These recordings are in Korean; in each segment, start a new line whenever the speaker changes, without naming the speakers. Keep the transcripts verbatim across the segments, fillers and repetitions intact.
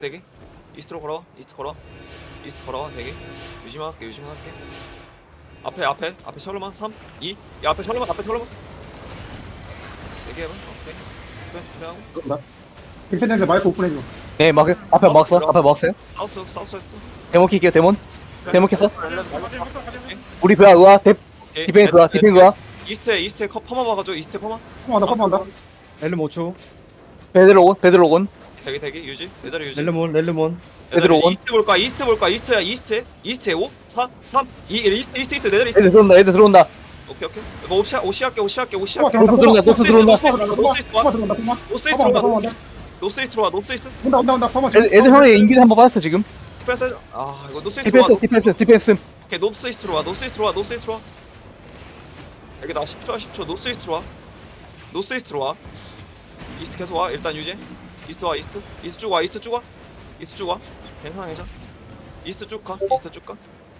대기 이스트로 걸어 이스트 걸어 이스트 걸어 대기 유지만 할게 유지만 할게 앞에 앞에 앞에 셜로만 삼 이 야 앞에 셜로만 앞에 셜로만 대기해봐 오케이 그래 그래 하고
나 힐패드인데 마이크 오픈해줘.
네, 막 앞에 막았어. 앞에 막았어요.
사우스 사우스 웨스트
데몬 킬게요. 데몬. 데몬 켰어.
오케이.
우리 그야 그야. 데
오케이.
디펜 그야. 디펜 그야.
이스트에 이스트에 컵 퍼마 봐가지고 이스트에 퍼마
펌한다 펌한다.
렐름 오 초.
베드로온. 베드로온.
대기 대기 유지 내 자리 유지
렐름온 렐름온.
내 자리
베드로온.
이스트 볼까 이스트 볼까 이스트야 이스트 이스트에 오 사 삼 이 일 이스트 이스트 이스트 내 자리 이스트
애들 들어온다. 애들 들어온다.
오케이 오케이 이거 옵시 옵시 할게 옵시 할게 옵시
펌
할게
노스 들어온다. 노스 들어온다.
펌 들어온다. 펌
노스 이스트 들어와 노스 이스트 들어와 노스 이스트
온다 온다 온다 펌.
애들, 애들 형의 인기를 한번 받았어 지금.
디펜스 아 이거 노스 이스트 들어와
디펜스. 디펜스. 디펜스.
오케이 노스 이스트로 와 노스 이스트로 와 노스 이스트로 와 여기 나 십 초야 십 초 노스 이스트로 와 노스 이스트로 와 이스트 계속 와 일단 유지 이스트 와 이스트 이스트 쭉 와 이스트 쭉 와 이스트 쭉 와 괜찮아 괜찮아 이스트 쭉가 이스트 쭉가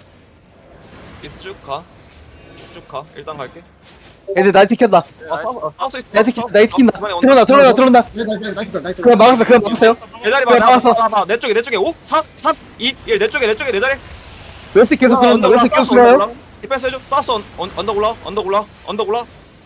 이스트 쭉가 쭉쭉 가 일단 갈게
애들 나이트 켰다.
아 사우 사우스 이스트
나이트 킨다. 나이트 킨다.
이번에 온다.
들어온다. 들어온다. 들어온다.
나이스 나이스 나이스.
그냥 막았어. 그냥 막았어요.
내 자리 봐
그래,
나,
막았어.
나, 나, 나, 내 쪽에 내 쪽에 오 사 삼 이 일 내 쪽에 내 쪽에 내 자리
웨스 계속 들어온다. 웨스 계속 들어요.
디펜스 해줘 사우스 언, 언, 언덕 올라 언덕 올라 언덕 올라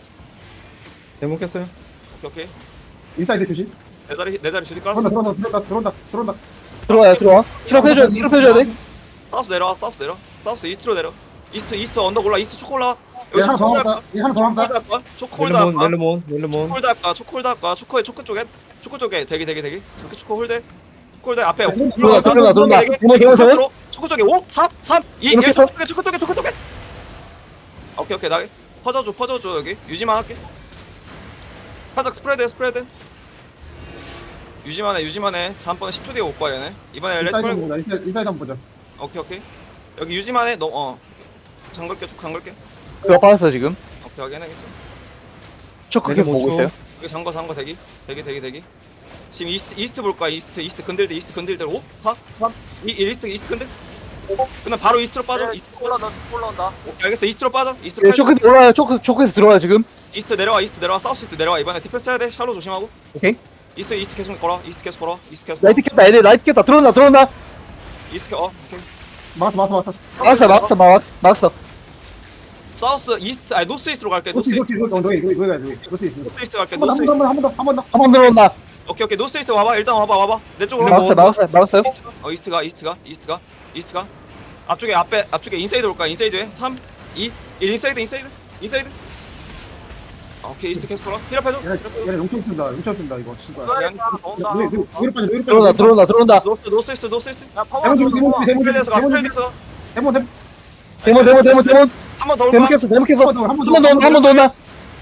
데몬 켰어요.
오케이 오케이
인사이드 조심.
내 자리 내 자리 주디
들어온다
깔았어
들어온다 들어온다 들어온다 들어온다.
들어와요. 들어와. 힐업 해줘야 돼. 힐업 해줘야 돼.
사우스 내려와 사우스 내려 사우스 이스트로 내려 이스트 이스트 언덕 올라 이스트 초코 올라
얘 하나 더 한다. 얘 하나 더 한다.
초코홀드
렐름온
할까
렐름온 렐름온.
초코홀드 할까 초코홀드 할까 초코에 초코 쪽에 초코 쪽에 대기 대기 대기 저렇게 초코 홀드 홀드 앞에
들어온다. 들어온다. 들어온다. 데몬 데몬 데몬.
초코 쪽에 오 사 삼 이 일
이렇게
초코 쪽에 초코 쪽에 초코 쪽에 오케이 오케이 나 퍼져줘 퍼져줘 여기 유지만 할게 살짝 스프레드 스프레드 유지만 해 유지만 해 다음번에 십 초 뒤에 올 거야 얘네 이번에 레츠
인사이드
말고
한번 보자. 인사이드 인사이드 한번 보자.
오케이 오케이 여기 유지만 해너어 잠글게 쭉 잠글게
그거 받았어 지금.
오케이 확인하겠어
초크 계속 보고 있어요.
여기 잠궈 잠궈 대기 대기 대기 대기 지금 이스트 이스트 볼 거야 이스트 이스트 건들들 이스트 건들들 오 사 삼 이 일 이스트 이스트 건들 그다음 바로 이스트로 빠져 이스트
올라온다 올라온다
오케이 알겠어 이스트로 빠져 이스트로
예,
빠져
초크 올라와요. 초크 초크에서 들어와요 지금.
이스트 내려와 이스트 내려와 사우스 이스트 내려와 이번에 디펜스 해야 돼 샬로 조심하고
오케이.
이스트 이스트 계속 걸어 이스트 계속 걸어 이스트 계속 걸어
라이트 켰다. 애들 라이트 켰다. 들어온다. 들어온다.
이스트 어 오케이
막았어 막았어 막았어.
막았어. 막았어. 막았어. 막았어.
사우스 이스트 아니 노스 이스트로 갈게 노스
노스
이스트
노스 노스 너희 너희 너희 너희 노스 있어.
노스 이스트 갈게
한번
노스
더
이스트
한 번 더 한 번 더.
한 번 들어온다.
오케이 오케이 노스 이스트 와봐 일단 와봐 와봐 내 쪽으로
막았어. 막았어. 막았어요.
이스트가 어 이스트가 이스트가 이스트가 이스트가 앞쪽에 앞에 앞쪽에 인사이드 올까 인사이드에 삼 이 일 인사이드 인사이드 인사이드 아, 오케이 이스트 계속 걸어 힐업 해줘
얘네 얘네 용총 쓴다. 용총 쓴다 이거. 씨발.
그냥
하나 더 온다
위로 위로 위로 빠져 위로 빠져.
들어온다. 들어온다. 들어온다.
노스 노스 이스트 노스 이스트
야 파워
데몬 좀 데몬 좀 데몬 좀
스프레드에서 가
데몬 좀
스프레드에서
데몬 데몬
데몬 데몬 데몬 데몬.
한번 더
데몬
올까
켰어. 데몬 켰어.
한번 더, 한번
한
더.
번 더 온다. 한 번 더 온다.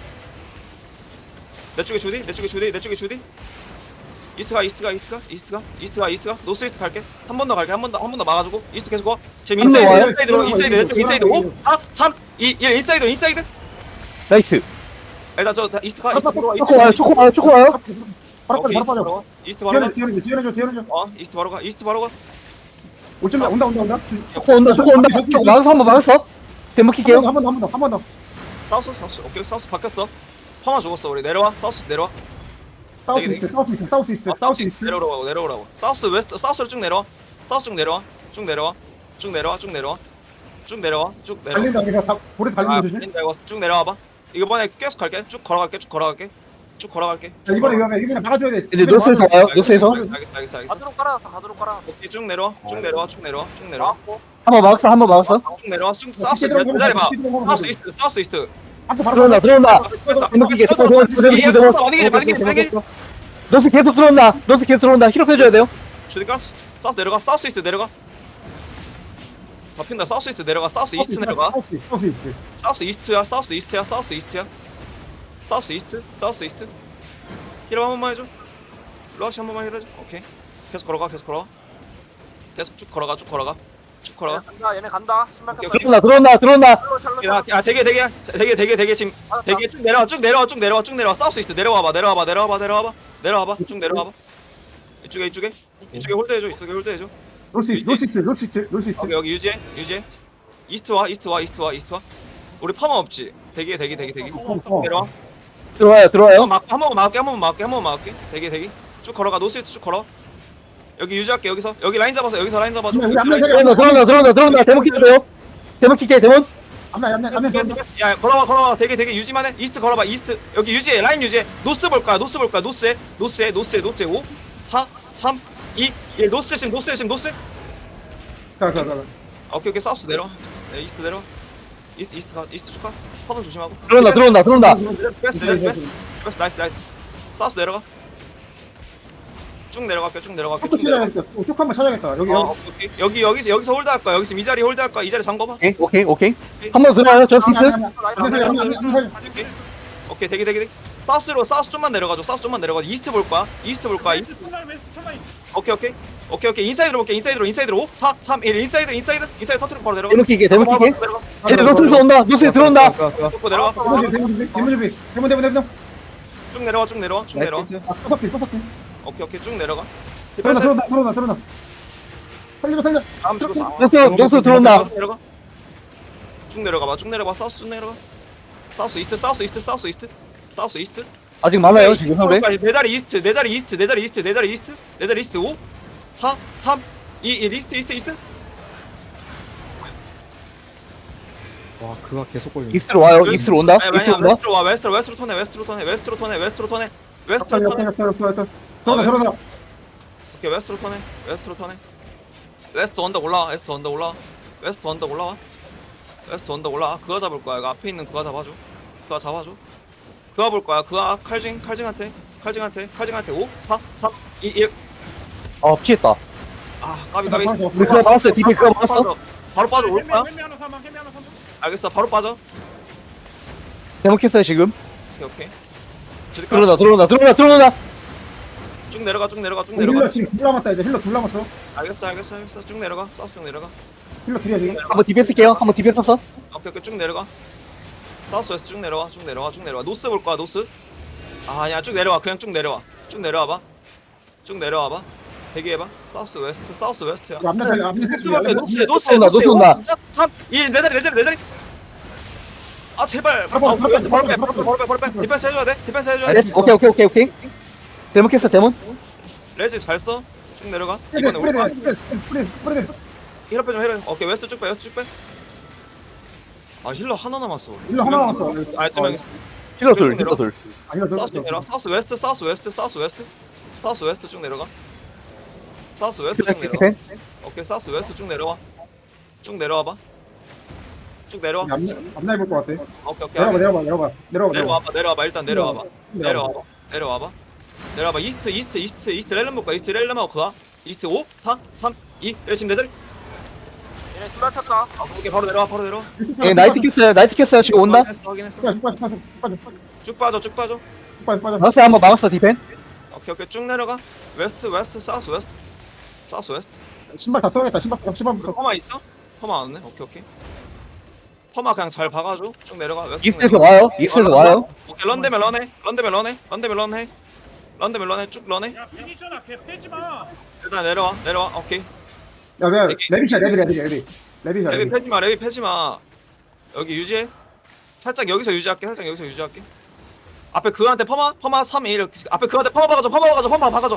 내 쪽에 주디 내 쪽에 주디 내 쪽에 주디 이스트가 이스트가 이스트가 이스트가 이스트가 이스트가 노스 이스트 갈게 한 번 더 갈게 한 번 더 한 번 더 막아주고 이스트 계속 와 지금
한번
인사이드
와요?
인사이드로 인사이드 내 쪽 인사이드 오 사 삼 이 일 인사이드 인사이드
나이스.
일단 저 다- 이스트가 이스트 들어와
초코 와요. 초코 와요. 초코 와요.
바로
오케이,
빠져 바로 빠져.
이스트 바로 가
지연해 지연해 지연해 지연해.
어 이스트 바로 가 이스트 바로 가
올점 온다 온다 온다.
초코 온다. 초코 온다. 초코 막았어. 한 번 막았어. 데몬 킬게요.
한 번 더 한 번 더 한 번 더.
사우스 사우스 오케이 사우스 바뀌었어 파마 죽었어 우리 내려와 사우스 내려와
사우스 이스트 사우스 이스트 사우스 이스트 사우스 이스트.
내려오라고 내려오라고 사우스 웨스트 사우스로 쭉 내려와 사우스 쭉 내려와 쭉 내려와 쭉 내려와 쭉 내려와 쭉 내려와 쭉 내려와
달린다 그래서 다 고래
아
달리는 조심.
달린다 이거 쭉 내려와봐 이번에 계속 갈게 쭉 걸어갈게 쭉 걸어갈게 쭉 걸어갈게
자, 이번에 위험해 이번에 막아줘야 돼.
이제 노스에서 와요. 노스에서.
알겠어 알겠어 알겠어 알겠어
가드로 깔아놨어 가드로 깔아놨어
오케이 쭉 내려와 쭉 내려와 쭉 내려와 쭉 내려와
나왔고
한 번 막았어. 한 번 막았어.
쭉 내려와 쭉 사우스 기다려봐 사우스 이스트 사우스 이스트
아까 바로
들어온다. 들어온다.
됐어.
데몬 킬게. 데몬 데몬 데몬 데몬 데몬.
반응이지 반응이지 반응이지
노스 계속 들어온다. 노스 계속 들어온다. 힐업 해줘야 돼요.
주니까 사우스 내려가 사우스 이스트 내려가 바뀐다 사우스 이스트 내려가 사우스 이스트 내려가
사우스 이스트 사우스 이스트.
사우스 이스트야 사우스 이스트야 사우스 이스트야 사우스 이스트 사우스 이스트 힐업 한 번만 해줘 러시 한 번만 힐해줘 오케이 계속 걸어가 계속 걸어가 계속 쭉 걸어가 쭉 걸어가 쭉
얘네
걸어가
간다 얘네 간다 신발
오케이,
꼈어
오케이.
들어온다. 들어온다.
샬로 샬로
야, 야 되게 되게 되게 되게 되게 지금
맞았다.
되게 쭉 내려와 쭉 내려와 쭉 내려와 쭉 내려와 사우스 이스트 내려와봐 내려와봐 내려와봐 내려와봐 내려와봐 쭉 내려와봐 이쪽에 이쪽에 이쪽에 홀드해줘 이쪽에 홀드해줘
노스 이스트 노스 이스트 노스 이스트 노스 이스트.
여기 여기 유지해 유지해 이스트 와 이스트 와 이스트 와 이스트 와 우리 파마 없지 대기 대기 대기 대기
어.
내려와
들어와요. 들어와요.
한 번 막게 한 번만 막게 한 번만 막게 한 번만 막게 대기 대기 쭉 걸어가 노스 이스트 쭉 걸어 여기 유지할게 여기서 여기 라인 잡아서 여기서 라인 잡아줘.
여기 앞면 세 개.
들어온다 들어온다 들어온다 들어온다 데몬 킬게요 데몬 킬게 데몬
앞면 앞면 앞면 앞면.
야 걸어봐 걸어봐 되게 되게 유지만 해. 이스트 걸어봐 이스트 여기 유지해 라인 유지해. 노스 볼 거야 노스 볼 거야 노스에 노스에 노스에 노스에 오 사 삼 이 일 노스 심 노스 심 노스.
가가 가.
오케이 오케이 사우스 내려. 네 이스트 내려. 이스트 이스트 가 이스트 쭉가. 파던 조심하고.
들어온다 들어온다 들어온다
베스트 베스트 베스트 나이스 나이스. 사우스 내려가. 쭉 내려갈게 쭉 내려갈게
쭉
쭉 내려가.
찾아야겠다. 쭉 한번 찾아야겠다. 여기
어, 오케이, 오케이. 여기 여기서 여기서 홀드 할 거야. 여기서 이 자리 홀드 할 거야. 이 자리 잠궈봐.
오케이 오케이 오케이 한 번 들어와요 저스티스
앞면 앞면 세 개, 앞면 앞면 세 개.
오케이. 오케이 되게 되게 되게. 사우스로 사우스 좀만 내려가줘. 사우스 좀만 내려가. 이스트 볼 거야. 이스트 볼 거야. 이스트. 오케이 오케이. 오케이 오케이. 인사이드로 볼게. 인사이드로 인사이드로 오 사 삼 일 인사이드 인사이드 인사이드 터트리고 바로 내려가.
데몬 킬게 데몬 킬게
내려가.
얘들 노스에서 온다 노스에 들어온다
쭉 내려가.
대문 준비, 대문 준비, 대문 준비. 대문 대문 대문.
쭉 내려와. 쭉 내려와. 쭉 내려와.
나이스.
아, 소석기 소석기.
오케이 오케이. 쭉 내려가.
들어온다 들어온다 들어온다 들어온다. 살려 살려.
다음 주고 사.
노스 노스 들어온다
쭉 내려가. 쭉 내려가 봐. 쭉 내려가. 사우스 쭉 내려가. 사우스 이스트 사우스 이스트 사우스 이스트 사우스 이스트.
아직 많아요 지금 상대
내 자리 이스트 내 자리 이스트 내 자리 이스트 내 자리 이스트 내 자리 이스트 오 사 삼 이 일 이스트 이스트 이스트.
와 그가 계속 걸려.
이스트로 와요 이스트로 온다
아니,
이스트로
아니야,
온다
웨스트로 와 웨스트로 웨스트로 턴해 웨스트로 턴해 웨스트로 턴해 웨스트로 턴해 웨스트로
옆에
턴해.
옆에 옆에 옆에 옆에. 들어온다 들어온다.
오케이 웨스트로 턴해 웨스트로 턴해. 웨스트 언덕 올라와 웨스트 언덕 올라와 웨스트 언덕 올라와 웨스트 언덕 올라와. 그거 잡을 거야. 이거 앞에 있는 그거 잡아줘. 그거 잡아줘. 그거 볼 거야. 그거 칼징 칼징한테 칼징한테 칼징한테 오 사 삼 이 일.
어 피했다
아 까비 까비.
우리 그거 막았어요 디펜 그거 막았어
바로 빠져 올 거야. 알겠어 바로 빠져.
데몬 켰어요 지금
오케이 오케이. 저기
들어온다 들어온다 들어온다 들어온다
쭉 내려가 쭉 내려가 쭉
힐러
내려가.
지금 둘 남았다 이제 힐러 둘 남았어.
알겠어 알겠어 알겠어. 쭉 내려가. 사우스 쭉 내려가.
힐러 둘이야 지금.
한번 디펜 쓸게요 한번 디펜 썼어
오케이 오케이 쭉 내려가. 사우스 웨스트 쭉 내려와 쭉 내려와 쭉 내려와. 노스 볼 거야 노스. 아 아니야 쭉 내려와 그냥 쭉 내려와. 쭉 내려와봐. 쭉 내려와봐. 대기해봐. 사우스 웨스트 사우스 웨스트야.
앞면 살려 앞면
노스
살려.
볼게 노스 노스
온다,
노스
노스 온다.
삼 이 내 자리 내 자리 내 자리. 아 제발.
바로,
아,
바로,
웨스트 바로 빼
바로,
바로 빼 바로 빼 바로 빼. 디펜스 해줘야 돼. 디펜스 해줘야 돼.
알겠어 오케이 오케이 오케이 오케이 데몬 켰어 데몬
레지 잘 써. 쭉 내려가.
스프레드
이번에 우리
스프레드
봐.
스프레드 스프레드 스프레드.
힐러 빼좀 힐러. 오케이 웨스트 쭉 빼 웨스트 쭉 빼. 아 힐러 하나 남았어.
힐러 하나 남았어.
아두명 있어.
힐러 둘 힐러 둘
아 힐러 둘.
사우스 쭉 내려와. 사우스 웨스트 사우스 웨스트 사우스 웨스트 사우스 웨스트 쭉 내려가. 사우스 웨스트 쭉 내려가.
디펜
오케이 사우스 웨스트 쭉 내려와. 쭉 내려와봐. 쭉 내려와.
앞날 볼것 같아.
오케이 오케이.
내려봐
알겠어.
내려봐 내려봐 내려봐 내려봐.
내려와봐 내려와봐 일단 내려와봐.
내려와.
내려와봐. 내려와봐. 내려와봐. 이스트 이스트 이스트 이스트 렐름 볼까? 이스트 렐름하고 그가. 이스트 오 사 삼 이 열심히 내들.
얘네 신발 탔다.
아, 오케이 바로 내려와 바로 내려와.
예 나이트 켰어요 나이트 켰어요 지금 온다
확인했어 확인했어.
쭉 빠져 쭉 빠져 쭉 빠져
쭉 빠져 쭉 빠져.
쭉 빠져 빠져.
막았어요 한번 막았어 디펜
오케이 오케이 쭉 내려가. 웨스트 웨스트 사우스 웨스트 사우스 웨스트.
신발 다 써야겠다. 신발 써 신발 써.
퍼마 있어? 퍼마 안 왔네. 오케이 오케이. 퍼마 그냥 잘 박아줘. 쭉 내려가. 웨스트 쭉
이스트에서
내려가.
와요 이스트에서 와요
오케이 런데면 런해. 런데면 런해. 런데면 런해. 런데면 런해. 쭉 런해.
야 피니셔나 걔 빼지 마.
일단 내려와. 내려와. 오케이.
야왜 레비샤 레비 레비 레비 레비샤
레비
레비.
패지 마. 레비 패지 마. 여기 유지해. 살짝 여기서 유지할게. 살짝 여기서 유지할게. 앞에 그한테 퍼마 퍼마 삼 일 앞에 그한테 퍼마 박아줘. 퍼마 박아줘. 퍼마 박아줘.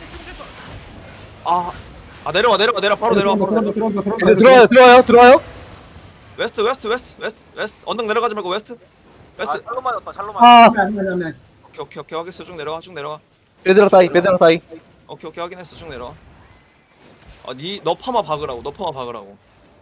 아. 아 내려와 내려와 내려와 바로 내려와 바로 내려와.
들어온다 들어온다
네,
들어온다.
들어와요 들어와요 들어와요
웨스트 웨스트 웨스트 웨스트 웨스트 언덕 내려가지 말고 웨스트
아
웨스트.
샬로 맞았다. 샬로 맞았다.
아
안돼 안돼 안돼.
오케이 오케이 오케이 확인했어. 쭉 내려와. 쭉 내려와.
베드라 사이 베드라 사이
오케이 오케이 확인했어. 쭉 내려와. 아니너 파마 박으라고. 너 파마 박으라고.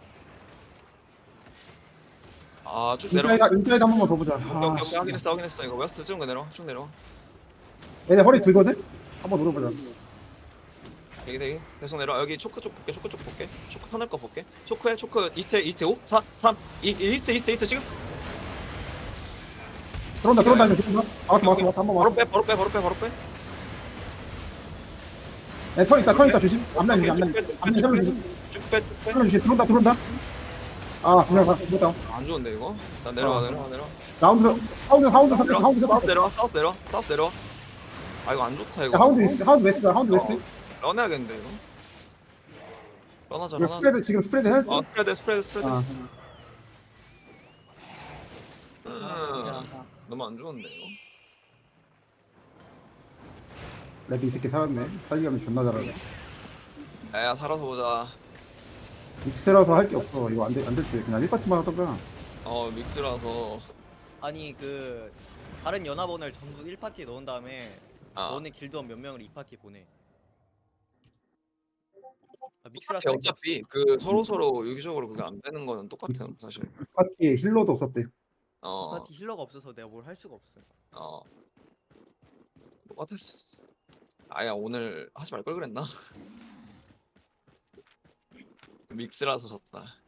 아쭉 내려와.
인사이드 인사이드 한 번만 더 보자.
오케이
아,
오케이 오케이 확인했어. 확인했어. 이거 웨스트 쭉 내려와. 쭉 내려와.
얘네 허리 들거든. 한번 노려보자.
여기 대기 계속 내려와. 여기 초크 쪽 볼게. 초크 쪽 볼게. 초크 터널 거 볼게. 초크에 초크 이스트 이스트 오 사 삼 이 이스트 이스트 이스트 지금
들어온다 들어온다 이제 들어온다. 왔어 왔어 왔어 한번
바로
왔어.
빼 바로 빼 바로 빼 바로 빼.
야, 턴 있다 턴 있다 조심. 앞날 조심 앞날 앞날 살려 조심.
쭉빼쭉빼.
살려 조심. 들어온다 들어온다. 아 그냥 가 들어온다.
안 좋은데 이거. 나 내려와
어.
내려와 내려와.
라운드 하운드 하운드 섞여
내려와.
하운드 섞여.
사우스 내려와. 사우스 내려와. 사우스 내려와. 아 이거 안 좋다 이거.
야, 하운드 웨스트 하운드 웨스트 하운드 웨스트.
런해야겠는데 이거. 런하자
이거
런하자.
스프레드 지금 스프레드 해.
어 스프레드 스프레드 스프레드.
아.
음, 너무 안 좋은데 이거.
랩이 이 새끼 살았네. 살리감이 존나 잘하네.
야 살아서 보자.
믹스라서 할 게 없어. 이거 안 될 안 될 때 그냥 일 파티만 하던가.
어 믹스라서.
아니 그 다른 연합원을 전부 일 파티에 넣은 다음에
아
너네 길드원 몇 명을 이 파티에 보내. 아, 믹스라서
제
할게
어차피 그 서로 서로 유기적으로 그게 안 되는 거는 똑같아요 사실.
일 파티에 힐러도 없었대.
없어. 이
어
파티 힐러가 없어서 내가 뭘 할 수가 없어.
어. 똑같았어. 아야 오늘 하지 말 걸 그랬나? 믹스라서 졌다.